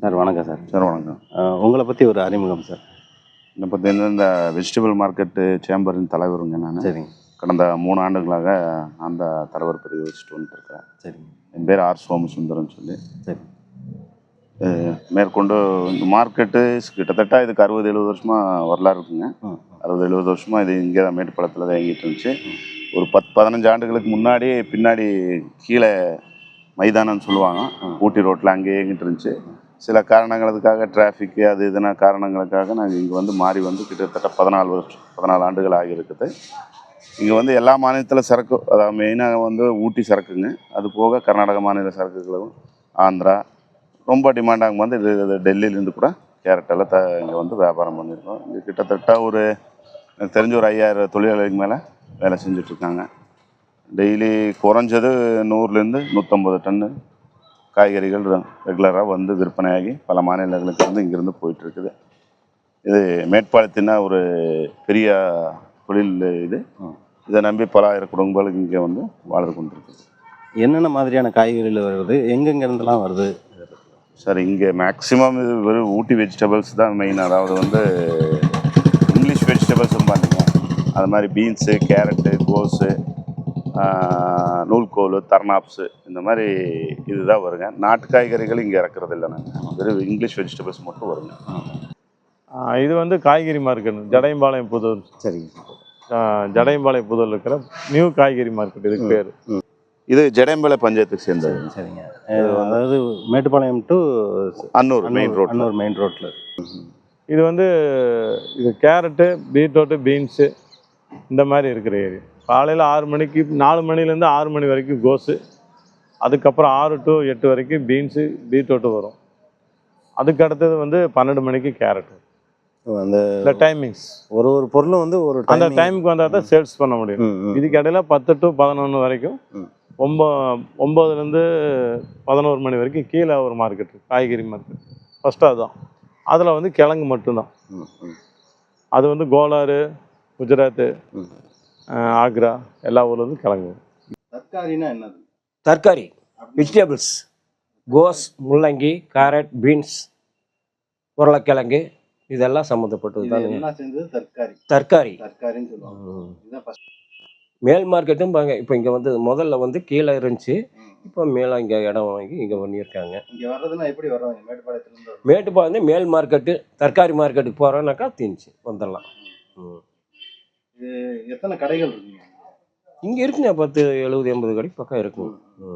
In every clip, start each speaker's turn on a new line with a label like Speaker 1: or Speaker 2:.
Speaker 1: Sir வணக்கம் sir.
Speaker 2: Sir வணக்கம்.
Speaker 1: உங்களை பற்றி ஒரு அறிமுகம் சார்.
Speaker 2: என்னை பார்த்தீங்கன்னா இந்த வெஜிடபிள் மார்க்கெட்டு சேம்பரின் தலைவருங்க நான்.
Speaker 1: சரிங்க.
Speaker 2: கடந்த 3 ஆண்டுகளாக அந்த தலைவர் பிரிவு வச்சுட்டு வந்துட்டுருக்கேன். சரிங்க. என் பேர் ஆர் சோமசுந்தரம்னு சொல்லி. சரி. மேற்கொண்டு இந்த மார்க்கெட்டு கிட்டத்தட்ட இதுக்கு 60-70 வருஷமாக வரலாறு இருக்குங்க. 60-70 வருஷமாக இது இங்கே தான் மேட்டுப்பாளையத்தில் தான் இயங்கிட்டு இருந்துச்சு. ஒரு 10-15 ஆண்டுகளுக்கு முன்னாடி பின்னாடி கீழே மைதானம்னு சொல்லுவாங்க, ஊட்டி ரோட்டில் அங்கேயே இயங்கிட்டு இருந்துச்சு. சில காரணங்களுக்காக டிராஃபிக்கு அது இதுனா காரணங்களுக்காக நாங்கள் இங்கே வந்து மாறி வந்து கிட்டத்தட்ட 14 ஆண்டுகள் ஆகியிருக்குது. இங்கே வந்து எல்லா மாநிலத்தில் சரக்கு, அதாவது மெயினாக வந்து ஊட்டி சரக்குங்க, அது போக கர்நாடக மாநில சரக்குகளும், ஆந்திரா ரொம்ப டிமாண்டாகும் வந்து இது டெல்லியிலேருந்து கூட கேரட்டெல்லாம் இங்கே வந்து வியாபாரம் பண்ணியிருக்கோம். இங்கே கிட்டத்தட்ட ஒரு எனக்கு தெரிஞ்ச ஒரு 5000 தொழிலாளிக்கு மேலே வேலை செஞ்சிட்ருக்காங்க. டெய்லி குறைஞ்சது 100லேருந்து 150 டன்னு காய்கறிகள் ரெகுலராக வந்து விற்பனையாகி பல மாநிலங்களுக்கு வந்து இங்கேருந்து போயிட்டுருக்குது. இது மேட்டுப்பாளையத்தினா ஒரு பெரிய தொழில் இது. இதை நம்பி பல ஆயிரம் குடும்பங்களுக்கு இங்கே வந்து வாழ்ந்து கொண்டிருக்குது.
Speaker 1: என்னென்ன மாதிரியான காய்கறிகள் வருது, எங்கெங்கேருந்துலாம் வருது
Speaker 2: சார்? இங்கே மேக்ஸிமம் இது வெறும் ஊட்டி வெஜிடபிள்ஸ் தான் மெயின். அதாவது வந்து இங்கிலீஷ் வெஜிடபிள்ஸும் பார்த்தீங்க, அது மாதிரி பீன்ஸு, கேரட்டு, கோஸு, நூல்கோல், தர்னாப்ஸு, இந்த மாதிரி இதுதான் வருங்க. நாட்டு காய்கறிகள் இங்கே இறக்குறது இல்லை நாங்கள், வெறும் இங்கிலீஷ் வெஜிடபிள்ஸ் மட்டும் வருங்க.
Speaker 3: இது வந்து காய்கறி மார்க்கெட், ஜடையம்பாளையம் புதூர்.
Speaker 1: சரிங்க.
Speaker 3: ஜடையம்பாளையம் புதூரில் இருக்கிற நியூ காய்கறி மார்க்கெட் இதுக்கு பேர்.
Speaker 2: இது ஜடையம்பாளையம் பஞ்சாயத்துக்கு சேர்ந்தது.
Speaker 1: சரிங்க. அதாவது Mettupalayam to
Speaker 2: Annur main road.
Speaker 1: Annur main ரோட்டில்.
Speaker 3: இது வந்து இது கேரட்டு, பீட்ரூட்டு, பீன்ஸு இந்த மாதிரி இருக்கிற ஏரியா. காலையில் 6 மணிக்கு, 4 மணிலேருந்து 6 மணி வரைக்கும் கோஸு, அதுக்கப்புறம் 6 to 8 வரைக்கும் பீன்ஸு, பீட்ரூட்டு வரும். அதுக்கு அடுத்தது வந்து 12 மணிக்கு கேரட்டு. அந்த டைமிங்ஸ் ஒரு பொருளும் வந்து ஒரு அந்த டைமுக்கு வந்தால் தான் சேல்ஸ் பண்ண முடியும். இதுக்கு இடையில 10 to 11 வரைக்கும், 9லேருந்து 11 மணி வரைக்கும் கீழே ஒரு மார்க்கெட், காய்கறி மார்க்கெட் ஃபஸ்ட்டு. அதுதான் அதில் வந்து கிழங்கு மட்டும்தான். அது வந்து கோலாறு, குஜராத்து, ஆக்ரா எல்லா ஊர்லேருந்து கிழங்கு.
Speaker 1: தர்காரினா என்னது?
Speaker 4: தர்காரி வெஜிடபிள்ஸ், கோஸ், முள்ளங்கி, கேரட், பீன்ஸ், உருளைக்கிழங்கு இதெல்லாம் சம்மந்தப்பட்டது தான் தர்காரி. மேல் மார்க்கெட்டும் பாங்க. இப்போ இங்கே வந்து முதல்ல வந்து கீழே இருந்துச்சு, இப்போ மேலே இங்கே இடம் வாங்கி இங்கே பண்ணியிருக்காங்க.
Speaker 1: இங்கே வர்றதுன்னா எப்படி வர்றாங்க?
Speaker 4: மேட்டுப்பாளையம் மேல் மார்க்கெட்டு, தர்காரி மார்க்கெட்டுக்கு போகிறோன்னாக்கா தீஞ்சி வந்துடலாம்.
Speaker 1: இது எத்தனை கடைகள் இருக்குங்க
Speaker 4: இங்கே? இருக்குங்க 10, 70, 80 கடை பக்கம் இருக்கும்.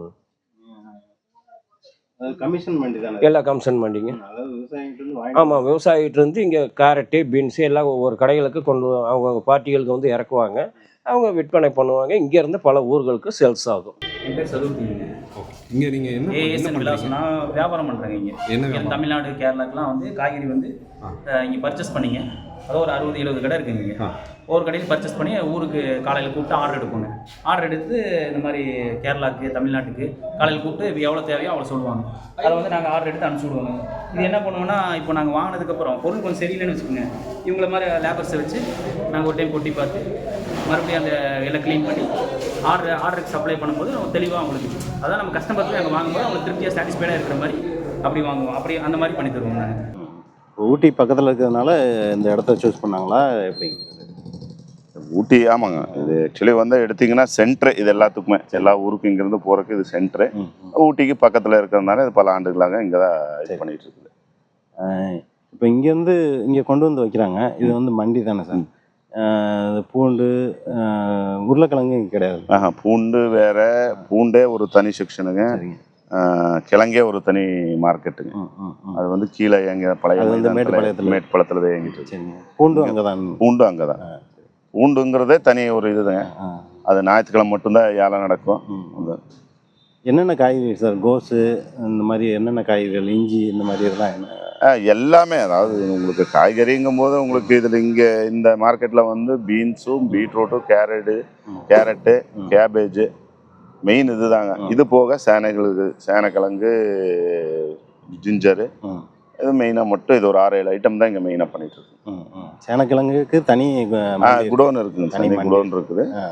Speaker 1: கமிஷன் மண்டி தானே?
Speaker 4: எல்லாம் கமிஷன் மண்டிங்க. ஆமாம், விவசாயிகிட்டேருந்து இங்கே கேரட்டு, பீன்ஸு எல்லாம் ஒவ்வொரு கடைகளுக்கு கொண்டு அவங்க பார்ட்டிகளுக்கு வந்து இறக்குவாங்க, அவங்க விற்பனை பண்ணுவாங்க. இங்கேருந்து பல ஊர்களுக்கு சேல்ஸ் ஆகும்.
Speaker 5: என் பேர் சதுர்த்திங்க.
Speaker 6: இங்கே நீங்கள்
Speaker 5: என்ன வியாபாரம் பண்ணுறேங்க. இங்கே தமிழ்நாடு, கேரளாக்கெலாம் வந்து காய்கறி வந்து இங்கே பர்ச்சேஸ் பண்ணிங்க. அதாவது ஒரு 60-70 கடை இருக்குங்க. இங்கே ஒவ்வொரு கடையில் பர்ச்சேஸ் பண்ணி ஊருக்கு காலையில் கூப்பிட்டு ஆர்டர் எடுப்போங்க. ஆர்டர் எடுத்து இந்த மாதிரி கேரளாவுக்கு, தமிழ்நாட்டுக்கு காலையில் கூப்பிட்டு எவ்வளோ தேவையோ அவ்வளோ சொல்லுவாங்க. அதை வந்து நாங்கள் ஆர்டர் எடுத்து அனுப்பிச்சி விடுவோங்க. இது என்ன பண்ணுவோன்னா, இப்போ நாங்கள் வாங்கினதுக்கப்புறம் பொருள் கொஞ்சம் சரியில்லைன்னு வச்சுக்கோங்க, இவங்கள மாதிரி லேபர்ஸை வச்சு நாங்கள் ஒரு டைம் கொட்டி பார்த்து மறுபடியும் அந்த எல்லாம் க்ளீன் பண்ணி ஆர்டருக்கு சப்ளை பண்ணும்போது நம்ம தெளிவாக அவங்களுக்கு, அதான் நம்ம கஸ்டமர்ஸும் நாங்கள் வாங்கும்போது அவங்களுக்கு திருப்தியாக சாட்டிஸ்ஃபைடாக இருக்கிற மாதிரி அப்படி வாங்குவோம். அப்படி அந்த மாதிரி பண்ணி தருவோம் நாங்கள்.
Speaker 1: ஊட்டி பக்கத்தில் இருக்கிறதுனால இந்த இடத்த சூஸ் பண்ணாங்களா எப்படி?
Speaker 2: ஊட்டி ஆமாங்க. இது ஆக்சுவலி வந்து எடுத்திங்கன்னா சென்ட்ரு, இது எல்லாத்துக்குமே எல்லா ஊருக்கும் இங்கேருந்து போகிறதுக்கு இது சென்ட்ரு. ஊட்டிக்கு பக்கத்தில் இருக்கிறதுனால இது பல ஆண்டுகளாக இங்கே தான் இது பண்ணிகிட்டு இருக்குது.
Speaker 1: இப்போ இங்கேருந்து இங்கே கொண்டு வந்து வைக்கிறாங்க. இது வந்து மண்டி தானே சார்? பூண்டு, உருளைக்கிழங்கு இங்கே கிடையாது.
Speaker 2: பூண்டு வேறு, பூண்டே ஒரு தனி செக்ஷனுங்க, கிழங்கே ஒரு தனி மார்க்கெட்டுங்க. அது வந்து கீழே எங்க பழைய மேட்டுப்பாளையத்தில் தான் இயங்கிட்டு.
Speaker 1: பூண்டு அங்கே தான்.
Speaker 2: பூண்டு அங்கே தான். பூண்டுங்கிறதே தனி ஒரு இதுதாங்க. அது ஞாயிற்றுக்கிழமை மட்டும்தான் ஏழை நடக்கும்.
Speaker 1: என்னென்ன காய்கறி சார்? கோஸு இந்த மாதிரி என்னென்ன காய்கறிகள், இஞ்சி இந்த மாதிரி இதெல்லாம் என்ன?
Speaker 2: எல்லாமே. அதாவது உங்களுக்கு காய்கறிங்கும் போது உங்களுக்கு இதில் இங்கே இந்த மார்க்கெட்டில் வந்து பீன்ஸும், பீட்ரூட்டும், கேரட்டு, கேபேஜு மெயின் இது தாங்க. இது போக சேனைக்கிழங்கு, ஜிஞ்சரு, இது மெயினாக மட்டும் இது ஒரு 6-7 ஐட்டம் தான் இங்கே மெயினாக பண்ணிட்டு இருக்கு.
Speaker 1: சேனக்கிழங்குக்கு தனி
Speaker 2: குடோன் இருக்குங்க. தனி குடோன் இருக்குது.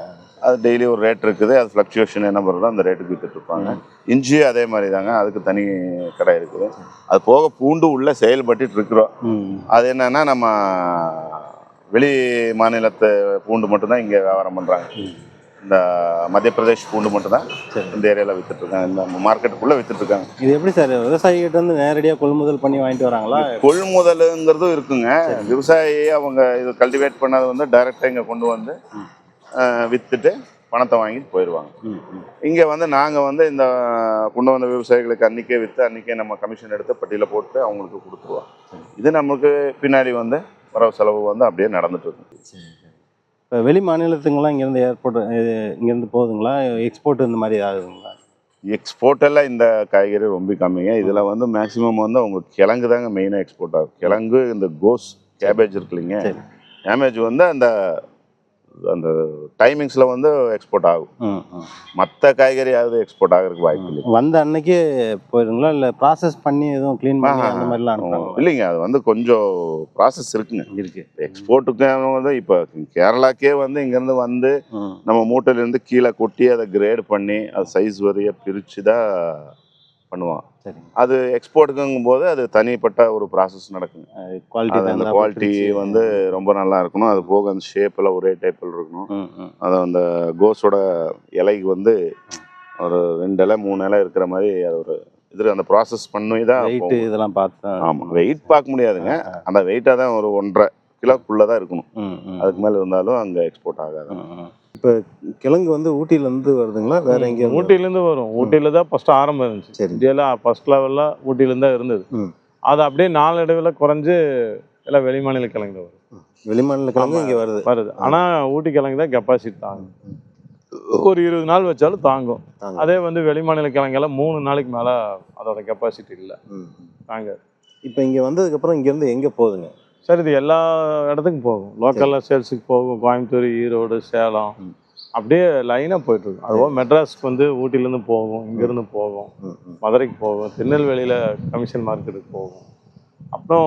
Speaker 2: அது டெய்லி ஒரு ரேட் இருக்குது, அது ஃப்ளக்சுவேஷன் என்ன பண்ணுறதோ அந்த ரேட்டுக்கு விற்றுட்ருப்பாங்க. இஞ்சியும் அதே மாதிரி தாங்க, அதுக்கு தனி கடை இருக்குது. அது போக பூண்டு உள்ளே செயல்பட்டு இருக்கிறோம். அது என்னன்னா நம்ம வெளி மாநிலத்து பூண்டு மட்டும்தான் இங்கே வியாபாரம் பண்ணுறாங்க. இந்த மத்திய பிரதேஷ் பூண்டு மட்டும்தான் இந்த ஏரியாவில் விற்றுட்ருக்காங்க, இந்த மார்க்கெட்டுக்குள்ளே விற்றுட்ருக்காங்க.
Speaker 1: இது எப்படி சார் விவசாயிகிட்ட வந்து நேரடியாக கொள்முதல் பண்ணி வாங்கிட்டு வராங்களா?
Speaker 2: கொள்முதலுங்கிறதும் இருக்குங்க. விவசாயி அவங்க இது கல்டிவேட் பண்ணது வந்து டைரெக்டாக இங்கே கொண்டு வந்து விற்றுட்டு பணத்தை வாங்கிட்டு போயிடுவாங்க. இங்கே வந்து நாங்கள் வந்து இந்த கொண்டு வந்த விவசாயிகளுக்கு அன்றைக்கே விற்று அன்றைக்கே நம்ம கமிஷன் எடுத்து பட்டியலில் போட்டு அவங்களுக்கு கொடுத்துருவோம். இது நமக்கு பின்னாடி வந்து வரவு செலவு வந்து அப்படியே நடந்துட்டு இருக்கு.
Speaker 1: இப்போ வெளி மாநிலத்துங்கெல்லாம் இங்கேருந்து ஏர்போர்ட் இங்கேருந்து போகுதுங்களா? எக்ஸ்போர்ட் இந்த மாதிரி ஆகுதுங்களா?
Speaker 2: எக்ஸ்போர்ட் எல்லாம் இந்த காய்கறி ரொம்ப கம்மிங்க. இதில் வந்து மேக்ஸிமம் வந்து அவங்க கிழங்கு தாங்க மெயினாக எக்ஸ்போர்ட் ஆகும். கிழங்கு, இந்த கோஸ், கேபேஜ் இருக்கு இல்லைங்க, கேபேஜ் வந்து அந்த அந்த டைமிங்ஸில் வந்து எக்ஸ்போர்ட் ஆகும். மற்ற காய்கறி யாவது எக்ஸ்போர்ட் ஆகிறதுக்கு வாய்ப்பு இல்லை.
Speaker 1: வந்த அன்னைக்கே போயிடுங்களா, இல்லை ப்ராசஸ் பண்ணி எதுவும் க்ளீன் பண்ணி அந்த மாதிரிலாம் அனுப்புறாங்க?
Speaker 2: இல்லைங்க, அது வந்து கொஞ்சம் ப்ராசஸ் இருக்குங்க.
Speaker 1: இருக்கு.
Speaker 2: எக்ஸ்போர்ட்டுக்கு வந்து இப்போ கேரளாக்கே வந்து இங்கேருந்து வந்து நம்ம மூட்டையிலேருந்து கீழே கொட்டி அதை கிரேட் பண்ணி அது சைஸ் வரைய பிரித்து தான் பண்ணுவான்.
Speaker 1: சரி.
Speaker 2: அது எக்ஸ்போர்ட்டுக்குங்கும் போது அது தனிப்பட்ட ஒரு ப்ராசஸ் நடக்குங்க. அந்த குவாலிட்டி வந்து ரொம்ப நல்லா இருக்கணும். அது போக அந்த ஷேப்பில் ஒரே டைப்பில் இருக்கணும். அது அந்த கோஸோட இலைக்கு வந்து ஒரு 2 இலை 3 இலை இருக்கிற மாதிரி அது ஒரு இது அந்த ப்ராசஸ் பண்ணி தான்
Speaker 1: வெயிட் இதெல்லாம் பார்த்து.
Speaker 2: ஆமாம், வெயிட் பார்க்க முடியாதுங்க. அந்த வெயிட்டாக தான் ஒரு 1.5 கிலோக்குள்ளே தான் இருக்கணும். அதுக்கு மேலே இருந்தாலும் அங்கே எக்ஸ்போர்ட் ஆகாது.
Speaker 1: இப்போ கிழங்கு வந்து ஊட்டியிலேருந்து வருதுங்களா வேற எங்கே?
Speaker 3: ஊட்டியிலேருந்து வரும். ஊட்டியில் தான் ஃபஸ்ட்டு ஆரம்பம் இருந்துச்சு.
Speaker 1: சரி.
Speaker 3: இந்தியாவில் ஃபஸ்ட் லெவலில் ஊட்டியிலேருந்து தான் இருந்தது. அது அப்படியே நாளடைவில் குறைஞ்சு எல்லாம் வெளி மாநில கிழங்கு வரும்.
Speaker 1: வெளி மாநில கிழங்கு இங்கே வருது.
Speaker 3: ஆனால் ஊட்டி கிழங்கு தான் கெப்பாசிட்டி தாங்கும். ஒரு 20 நாள் வச்சாலும் தாங்கும். அதே வந்து வெளி மாநில கிழங்கெல்லாம் 3 நாளைக்கு மேலே அதோட கெப்பாசிட்டி இல்லை, தாங்க.
Speaker 1: இப்போ இங்கே வந்ததுக்கப்புறம் இங்கேருந்து எங்கே போகுதுங்க?
Speaker 3: சார் இது எல்லா இடத்துக்கும் போகும். லோக்கலில் சேல்ஸுக்கு போகும். கோயம்புத்தூர், ஈரோடு, சேலம் அப்படியே லைனாக போயிட்டுருக்கும். அதுபோல் மெட்ராஸ்க்கு வந்து ஊட்டிலேருந்து போகும், இங்கேருந்து போகும், மதுரைக்கு போகும், திருநெல்வேலியில் கமிஷன் மார்க்கெட்டுக்கு போகும். அப்புறம்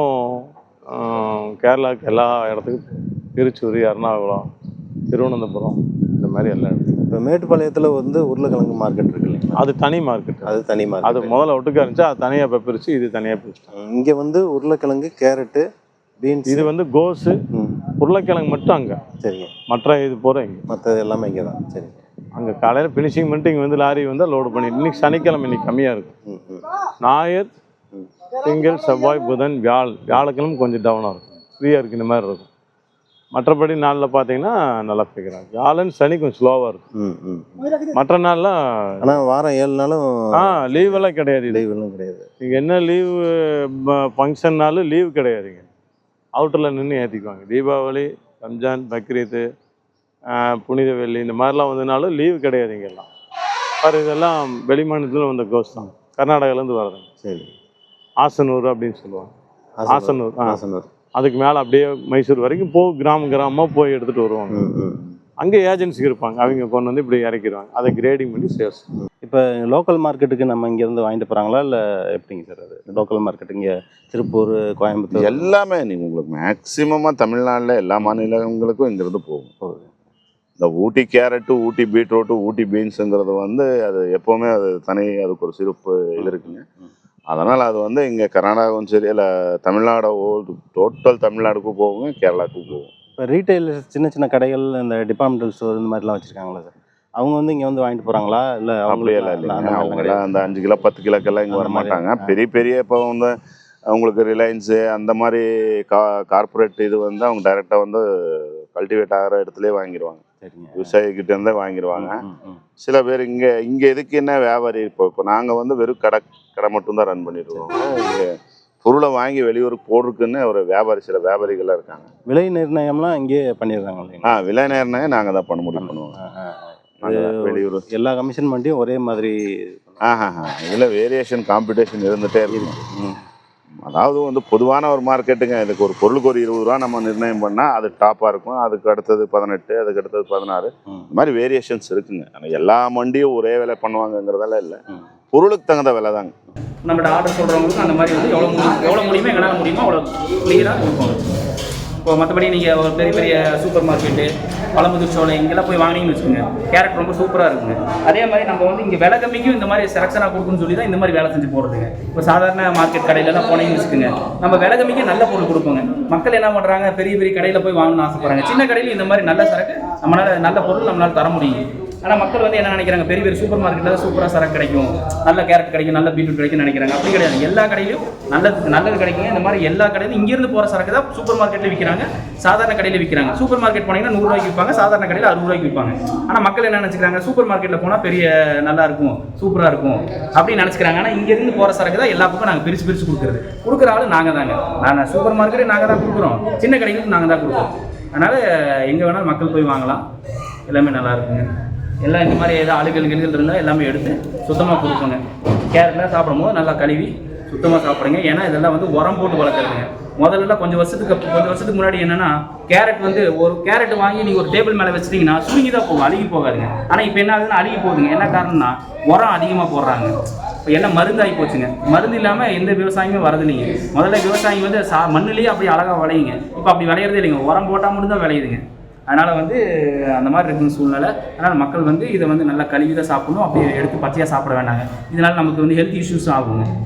Speaker 3: கேரளாவுக்கு எல்லா இடத்துக்கும், திருச்சூர், எர்ணாகுளம், திருவனந்தபுரம், இந்த மாதிரி எல்லா இடத்துக்கும்.
Speaker 1: இப்போ மேட்டுப்பாளையத்தில் வந்து உருளைக்கிழங்கு மார்க்கெட் இருக்கு இல்லைங்களா?
Speaker 3: அது தனி மார்க்கெட்.
Speaker 1: அது தனி மார்க்கெட்.
Speaker 3: அது முதல்ல ஒட்டுக்கா இருந்துச்சு, அது தனியாக இப்போ பிரித்து இது தனியாக பிரிச்சுட்டாங்க.
Speaker 1: இங்கே வந்து உருளைக்கிழங்கு, கேரட்டு, பீன்ஸ்,
Speaker 3: இது வந்து கோஸு, உருளைக்கிழங்கு மட்டும் அங்கே.
Speaker 1: சரிங்க.
Speaker 3: மற்ற இது போகிற இங்கே,
Speaker 1: மற்றது எல்லாமே இங்கே தான். சரி.
Speaker 3: அங்கே காலையில் ஃபினிஷிங் பண்ணிட்டு இங்கே வந்து லாரி வந்து லோடு பண்ணி. இன்றைக்கி சனிக்கிழமை, இன்றைக்கி கம்மியாக இருக்கும். ஞாயிறு, திங்கள், செவ்வாய், புதன், வியாழக்கிழமை கொஞ்சம் டவுனாக இருக்கும், ஃப்ரீயாக இருக்குது, இந்த மாதிரி இருக்கும். மற்றபடி நாளில் பார்த்தீங்கன்னா நல்லா பிடிக்கிறாங்க. வியாழன், சனி கொஞ்சம் ஸ்லோவாக இருக்கும். மற்ற நாள்லாம்
Speaker 1: ஆனால் வாரம் 7 நாளும்
Speaker 3: லீவெல்லாம் கிடையாது.
Speaker 1: லீவெல்லாம் கிடையாது.
Speaker 3: நீங்கள் என்ன லீவு ஃபங்க்ஷன்னாலும் லீவு கிடையாதுங்க. அவுட்டரில் நின்று ஏற்றிக்குவாங்க. தீபாவளி, ரம்ஜான், பக்ரீத்து, புனித வெள்ளி இந்த மாதிரிலாம் வந்ததுனாலும் லீவு கிடையாது இங்கெல்லாம். பாரு, இதெல்லாம் வெளி மாநிலத்தில் வந்த கோஸ் தான், கர்நாடகாலேருந்து வரதுங்க. சரி. ஆசனூர் அப்படின்னு சொல்லுவாங்க. ஆசனூர் அதுக்கு மேலே அப்படியே மைசூர் வரைக்கும் கிராமமாக போய் எடுத்துகிட்டு வருவாங்க. அங்கே ஏஜென்சி இருப்பாங்க, அவங்க கொண்டு வந்து இப்படி இறக்கிடுவாங்க. அதை கிரேடிங் பண்ணி சேல்ஸ்.
Speaker 1: இப்போ லோக்கல் மார்க்கெட்டுக்கு நம்ம இங்கேருந்து வாங்கிட்டு போகிறாங்களா, இல்லை எப்படிங்க சார்? அது லோக்கல் மார்க்கெட் இங்கே திருப்பூர், கோயம்புத்தூர்
Speaker 2: எல்லாமே நீங்கள் உங்களுக்கு மேக்ஸிமமாக தமிழ்நாட்டில் எல்லா மாநிலங்களுக்கும் இங்கேருந்து போகுது. இந்த ஊட்டி கேரட்டு, ஊட்டி பீட்ரூட்டு, ஊட்டி பீன்ஸுங்கிறது வந்து அது எப்போவுமே அது அதுக்கு ஒரு சிறப்பு இது இருக்குங்க. அதனால் அது வந்து இங்கே கர்நாடகாவும் சரி, இல்லை தமிழ்நாடு டோட்டல் தமிழ்நாடுக்கும் போகுங்க, கேரளாவுக்கும் போகும்.
Speaker 1: இப்போ ரீட்டைலர்ஸ் சின்ன சின்ன கடைகள், இந்த டிபார்ட்மெண்டல் ஸ்டோர் இந்த மாதிரிலாம் வச்சுருக்காங்களா சார்? அவங்க வந்து இங்கே வந்து வாங்கிட்டு போகிறாங்களா, இல்லை
Speaker 2: அப்படியெல்லாம் இல்லைங்க. அவங்களாம் அந்த 5 கிலோ 10 கிலோக்கெல்லாம் இங்கே வர மாட்டாங்க. பெரிய இப்போ வந்து அவங்களுக்கு ரிலையன்ஸு அந்த மாதிரி கார்பரேட் இது வந்து அவங்க டைரெக்டாக வந்து கல்டிவேட் ஆகிற இடத்துலேயே வாங்கிடுவாங்க. விவசாயிக்கிட்டேருந்தே வாங்கிடுவாங்க. சில பேர் இங்கே எதுக்கு என்ன வியாபாரி, இப்போ நாங்கள் வந்து வெறும் கடை மட்டும்தான் ரன் பண்ணிடுவோம். இங்கே பொருளை வாங்கி வெளியூருக்கு போடுறதுக்குன்னு ஒரு சில வியாபாரிகள்லாம் இருக்காங்க.
Speaker 1: விலை நிர்ணயம்லாம் இங்கே பண்ணிடுறாங்க.
Speaker 2: விலை நிர்ணயம் நாங்கள் தான் பண்ண முடியும் பண்ணுவோம். வெளியூர்
Speaker 1: எல்லா கமிஷன் பண்ணியும் ஒரே மாதிரி.
Speaker 2: இதில் வேரியேஷன், காம்படிஷன் இருந்துகிட்டே இருக்கும். அதாவது வந்து பொதுவான ஒரு மார்க்கெட்டுங்க. இதுக்கு ஒரு பொருளுக்கு ஒரு 20 ரூபா நம்ம நிர்ணயம் பண்ணால் அது டாப்பாக இருக்கும். அதுக்கு அடுத்தது 18, அதுக்கு அடுத்தது 16, இந்த மாதிரி வேரியேஷன்ஸ் இருக்குங்க. ஆனால் எல்லா மண்டியும் ஒரே விலை பண்ணுவாங்கங்கிறதெல்லாம் இல்லை, பொருளுக்கு தகுந்த விலை தாங்க.
Speaker 5: நம்மகிட்ட ஆர்டர் சொல்கிறவங்களுக்கு அந்த மாதிரி வந்து எவ்வளோ முடியுமோ, எங்களால் முடியுமோ அவ்வளோ கிளியராக கொடுப்போம். இப்போ மற்றபடி நீங்கள் ஒரு பெரிய பெரிய சூப்பர் மார்க்கெட்டு பழமுதிர் சோலை இங்கெல்லாம் போய் வாங்கினீங்கன்னு வச்சுக்கோங்க, கேரட் ரொம்ப சூப்பராக இருக்குங்க. அதே மாதிரி நம்ம வந்து இங்கே விலை கம்மிக்கும் இந்த மாதிரி செலக்ஷனாக கொடுக்குன்னு சொல்லி தான் இந்த மாதிரி வேலை செஞ்சு போடுறதுங்க. இப்போ சாதாரண மார்க்கெட் கடையிலலாம் போனீங்கன்னு வச்சுக்கோங்க, நம்ம விலை கம்மிக்கு நல்ல பொருள் கொடுப்போங்க. மக்கள் என்ன பண்ணுறாங்க, பெரிய பெரிய கடையில் போய் வாங்கணும்னு ஆசைப்படுறாங்க. சின்ன கடையில் இந்த மாதிரி நல்ல சரக்கு நம்மளால் நல்ல பொருள் நம்மளால் தர முடியும். ஆனால் மக்கள் வந்து என்ன நினைக்கிறாங்க, பெரிய பெரிய சூப்பர் மார்க்கெட்டில் சூப்பராக சரக்கு கிடைக்கும், நல்ல கேரட் கிடைக்கும், நல்ல பீட்ரூட் கிடைக்கும்னு நினைக்கிறாங்க. அப்படி கிடையாது. எல்லா கடையிலும் நல்லது கிடைக்குங்க. இந்த மாதிரி எல்லா கடையிலும் இங்கேருந்து போகிற சரக்கு தான் சூப்பர் மார்க்கெட்டில் விற்கிறாங்க, சாதாரண கடையில் விற்கிறாங்க. சூப்பர் மார்க்கெட் போனீங்கன்னா 100 ரூபாய்க்கு விற்பாங்க, சாதாரண கடையில் 60 ரூபாய்க்கு விற்பாங்க. ஆனால் மக்கள் என்ன நினச்சிக்கிறாங்க, சூப்பர் மார்க்கெட்டில் போனால் பெரிய நல்லா இருக்கும், சூப்பராக இருக்கும் அப்படின்னு நினச்சிக்கிறாங்க. ஆனால் இங்கேருந்து போகிற சரக்கு தான் எல்லா பக்கம் நாங்கள் பிரித்து கொடுக்குற ஆள் நாங்கள் தாங்க. நாங்கள் சூப்பர் மார்க்கெட்டே நாங்கள் தான் கொடுக்குறோம், சின்ன கடைகளுக்கு நாங்கள் தான் கொடுக்குறோம். அதனால் எங்கே வேணாலும் மக்கள் போய் வாங்கலாம், எல்லாமே நல்லா இருக்குங்க. எல்லாம் இந்த மாதிரி ஏதாவது அழுகல் இருந்தால் எல்லாமே எடுத்து சுத்தமாக கொடுப்போங்க. கேரட்லாம் சாப்பிடும் போது நல்லா கழுவி சுத்தமாக சாப்பிடுங்க. ஏன்னா இதெல்லாம் வந்து உரம் போட்டு வளர்க்குறதுங்க. முதல்ல கொஞ்சம் வருஷத்துக்கு முன்னாடி என்னன்னா, கேரட் வந்து ஒரு கேரட் வாங்கி நீங்கள் ஒரு டேபிள் மேலே வச்சிட்டிங்கன்னா சுருங்கி தான் போகும், அழுகி போகாதுங்க. ஆனால் இப்போ என்ன ஆகுதுன்னா அழுகி போகுதுங்க. என்ன காரணம்னா உரம் அதிகமாக போடுறாங்க. இப்போ எல்லாம் மருந்தாகி போச்சுங்க. மருந்து இல்லாமல் எந்த விவசாயமே வரதில்லைங்க. முதல்ல விவசாயம் வந்து மண்ணுலேயே அப்படி அழகாக விளையுங்க. இப்போ அப்படி விளையிறதே இல்லைங்க, உரம் போட்டால் மட்டும் தான் விளையுதுங்க. அதனால் வந்து அந்த மாதிரி இருக்குன்னு சூழ்நிலை. அதனால் மக்கள் வந்து இதை வந்து நல்லா கழுவி தான் சாப்பிடணும், அப்படியே எடுத்து பச்சையாக சாப்பிட வேண்டாங்க. இதனால் நமக்கு வந்து ஹெல்த் இஷ்யூஸும் ஆகுங்க.